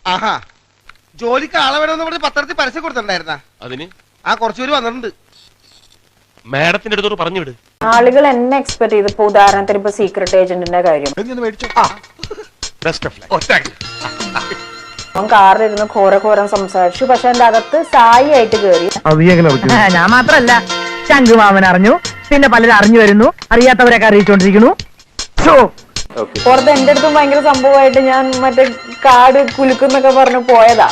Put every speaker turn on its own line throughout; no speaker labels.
ആഹാ, ജോലിക്ക് ആളെ വേണമെന്ന് പറഞ്ഞ് പത്രത്തിൽ പരസ്യം കൊടുത്തിട്ടുണ്ടായിരുന്ന
അതിന്
കുറച്ചുപേര് വന്നിട്ടുണ്ട്.
മാഡത്തിന്റെ അടുത്തോട് പറഞ്ഞു വിട്.
ആളുകൾ എന്നെ എക്സ്പെക്ട് ചെയ്ത് ഇപ്പൊ ഉദാഹരണത്തിന് ഇപ്പൊ സീക്രട്ട് ഏജന്റിന്റെ കാര്യം അവൻ കാറിലിരുന്ന് ഘോരം സംസാരിച്ചു. പക്ഷെ എന്റെ അകത്ത് സായി ആയിട്ട് കേറി.
ഞാൻ മാത്രല്ല ശംഖുമാമൻ അറിഞ്ഞു, പിന്നെ പലരും അറിഞ്ഞു വരുന്നു, അറിയാത്തവരൊക്കെ അറിയിച്ചോണ്ടിരിക്കുന്നു.
പുറത്ത് എന്റെ അടുത്തും ഭയങ്കര സംഭവമായിട്ട് ഞാൻ മറ്റേ കാട് കുലുക്കുന്നൊക്കെ പറഞ്ഞു പോയതാ.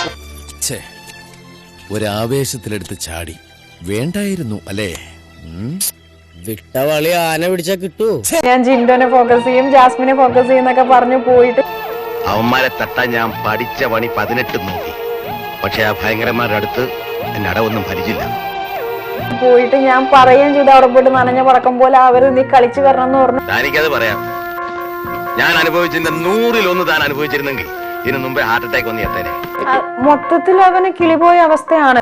ഒരാവേശത്തിലെടുത്ത് ചാടി വേണ്ടായിരുന്നു അല്ലേ?
വിട്ടവളി ആന പിടിച്ചാ കിട്ടൂ.
ഞാൻ ജിൻഡോനെ ഫോക്കസ് ചെയ്യും, ജാസ്മിനെ ഫോക്കസ് ചെയ്യുന്നൊക്കെ പറഞ്ഞു പോയിട്ട്
അവന്മാരെ തട്ടാൻ ഞാൻ പഠിച്ച പണി 18 നോക്കി. പക്ഷെ ആ ഭയങ്കരന്മാരുടെ അടുത്ത് എന്നെ അടവൊന്നും ഭരിച്ചില്ല.
പോയിട്ട് ഞാൻ പറയുകയും ചെയ്തു, അവിടെ പോയിട്ട് നനഞ്ഞ പടക്കം പോലെ അവര് നീ കളിച്ചു വരണം എന്ന് പറഞ്ഞു.
താനിക്കത് പറയാം. ഞാൻ അനുഭവിച്ചിരുന്ന 100-1 താൻ അനുഭവിച്ചിരുന്നെങ്കിൽ ഇതിനു മുമ്പേ ഹാർട്ട് അറ്റാക്ക് വന്ന് എത്തേനെ.
മൊത്തത്തിൽ അവന് കിളിപോയ അവസ്ഥയാണ്.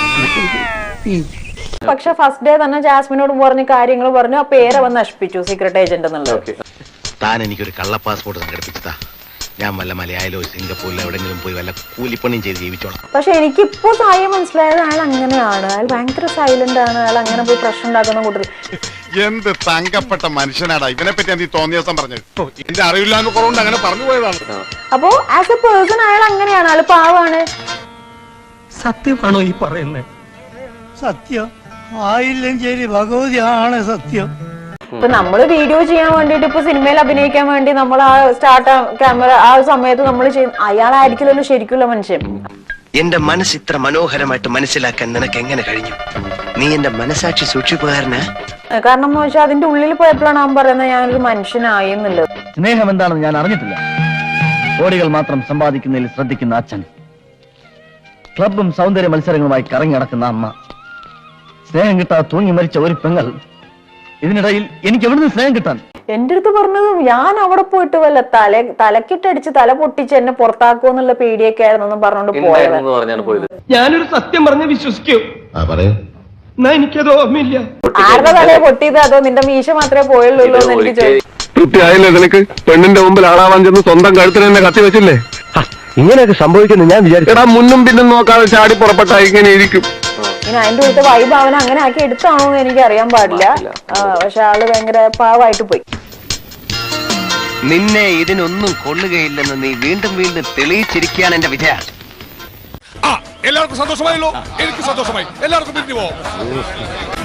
പക്ഷെ ഫസ്റ്റ് ഡേ തന്നെ ജാസ്മിനോട് പറഞ്ഞ കാര്യങ്ങൾ പറഞ്ഞു. ആ പേര് അവൻ നശിപ്പിച്ചു, സീക്രട്ട് ഏജന്റ് എന്നുള്ളത്.
താൻ എനിക്കൊരു കള്ള പാസ്പോർട്ട് സംഘടിപ്പിച്ചതാ. ഞാൻ വല്ല മലയാളിലോ സിംഗപ്പൂരിലോ എവിടെങ്കിലും പോയി വല്ല കൂലിപ്പണിയും ചെയ്ത് ജീവിച്ചോളാം.
പക്ഷെ എനിക്കിപ്പോ സായി മനസ്സിലായത് അയാൾ അങ്ങനെയാണ്. അയാൾ ഭയങ്കര സൈലന്റ് ആണ്. അയാൾ അങ്ങനെ പോയി പ്രശ്നം ഉണ്ടാക്കുന്ന കൂട്ടത്തിൽ.
എന്ത് തങ്കപ്പെട്ട മനുഷ്യനാടാ. ഇവനെ പറ്റി എന്ത് തോന്നിയ ദിവസം പറഞ്ഞത്? എന്റെ അറിവില്ലാന്ന് കുറവുണ്ട് അങ്ങനെ പറഞ്ഞു പോയതാണ്.
അപ്പോ ആസ് എ പേഴ്സൺ അയാൾ അങ്ങനെയാണ്. അയാൾ പാവാണ്.
സത്യമാണോ ഈ പറയുന്നത്? സത്യം ആയില്ലെങ്കിൽ ഭഗവതിയാണ് സത്യം.
ഇപ്പൊ നമ്മള് വീഡിയോ ചെയ്യാൻ വേണ്ടിട്ട്, ഇപ്പൊ സിനിമയിൽ അഭിനയിക്കാൻ വേണ്ടി നമ്മൾ ആ സ്റ്റാർട്ട് ക്യാമറ ആ സമയത്ത് നമ്മൾ ചെയ്യുന്ന അയാളായിരിക്കില്ലല്ലോ ശരിക്കുള്ള മനുഷ്യൻ.
എന്റെ മനസ്സ് ഇത്ര മനോഹരമായിട്ട് മനസ്സിലാക്കാൻ നിനക്ക് എങ്ങനെ കഴിഞ്ഞു? നീ എന്റെ മനസാക്ഷി സൂക്ഷിപ്പുകാരനാ.
കാരണം എന്ന് വെച്ചാൽ അതിന്റെ ഉള്ളിൽ പോയപ്പോഴാണ് അവൻ പറയുന്നത് ഞാനൊരു മനുഷ്യനായി എന്നുള്ളത്.
സ്നേഹം എന്താണെന്ന് ഞാൻ അറിഞ്ഞിട്ടില്ല. കോടികൾ മാത്രം സമ്പാദിക്കുന്നതിൽ ശ്രദ്ധിക്കുന്ന അച്ഛൻ, ക്ലബും സൗന്ദര്യ മത്സരങ്ങളുമായി കറങ്ങി നടക്കുന്ന അമ്മ, സ്നേഹം കിട്ടാതെ തൂങ്ങി മരിച്ച ഒരു പെങ്ങൾ. ഇതിനിടയിൽ എനിക്ക് എവിടുന്ന് സ്നേഹം കിട്ടാൻ?
എന്റെ അടുത്ത് പറഞ്ഞത് ഞാൻ അവിടെ പോയിട്ട് വല്ല തലക്കിട്ടടിച്ച് തല പൊട്ടിച്ച് എന്നെ പുറത്താക്കുമെന്നുള്ള പേടിയൊക്കെ ആയിരുന്നു പറഞ്ഞോണ്ട് പോയത്.
ഞാനൊരു സത്യം പറഞ്ഞ് വിശ്വസിക്കൂ. എന്നാ എനിക്കത് ഓർമ്മയില്ല.
ആരുടെ തലയെ പൊട്ടിയത്? അതോ നിന്റെ മീശ മാത്രമേ പോയുള്ളൂ എന്ന് എനിക്ക് ചോദിച്ചു.
തൃപ്തിയായില്ലേ നിനക്ക്? പെണ്ണിന്റെ മുമ്പിൽ ആളാവാൻ ചെന്ന് സ്വന്തം കഴുത്തിന് തന്നെ കത്തി വെച്ചില്ലേ?
ഇങ്ങനെയൊക്കെ സംഭവിക്കുന്നു ഞാൻ വിചാരിച്ചു.
മുന്നും പിന്നും നോക്കാതെ ചാടി പുറപ്പെട്ട ഇങ്ങനെ ഇരിക്കും.
ഇനി അതിന്റെ ഉള്ളിൽ വൈബ് അവൻ അങ്ങനെ ആക്കി എടുത്താണോ എന്ന് എനിക്ക് അറിയാൻ പാടില്ല. പക്ഷെ ആള് ഭയങ്കര പാവായിട്ട് പോയി.
നിന്നെ ഇതിനൊന്നും കൊള്ളുകയില്ലെന്ന് നീ വീണ്ടും വീണ്ടും തെളിയിച്ചിരിക്കുകയാണ് എന്റെ വിജയ.
എല്ലാവർക്കും സന്തോഷമായല്ലോ. എനിക്ക് സന്തോഷമായി. എല്ലാവർക്കും പിരിഞ്ഞു പോവാം.